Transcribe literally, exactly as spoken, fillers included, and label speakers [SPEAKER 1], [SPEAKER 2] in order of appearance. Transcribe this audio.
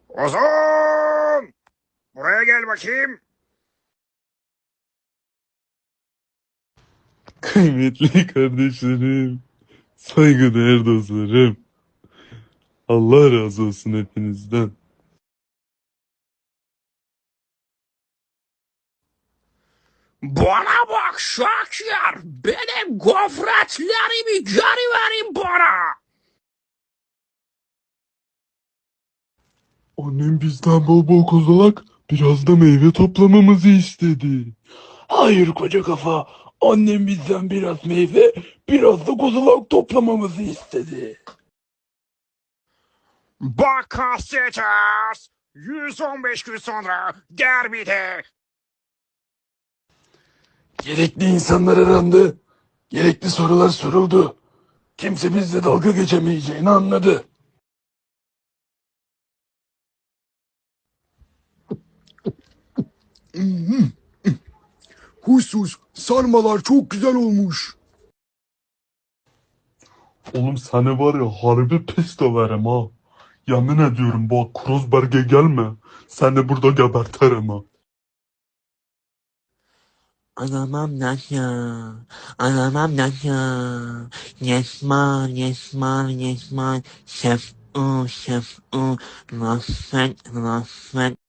[SPEAKER 1] Ozan! Buraya gel bakayım.
[SPEAKER 2] Kıymetli kardeşlerim, saygıdeğer dostlarım, Allah razı olsun hepinizden.
[SPEAKER 1] Bana bak Şakir. Benim gofretlerimi geri verin bana.
[SPEAKER 2] Annem bizden bol bol kozalak, biraz da meyve toplamamızı istedi. Hayır koca kafa, annem bizden biraz meyve, biraz da kozalak toplamamızı istedi.
[SPEAKER 1] Bak kasteters. yüz on beş gün sonra derbide.
[SPEAKER 2] Gerekli insanlar arandı, gerekli sorular soruldu. Kimse bizle dalga geçemeyeceğini anladı.
[SPEAKER 1] Huysuz sarmalar çok güzel olmuş.
[SPEAKER 2] Oğlum seni var ya harbi pis döverim ha. Yemin ediyorum bak Kruzberg'e gelme. Seni burada gebertirim ha.
[SPEAKER 3] Anlamam lan ya. Anlamam lan ya. Yesman, yesman, yesman. Şef, u, şef, u. Lafet, lafet.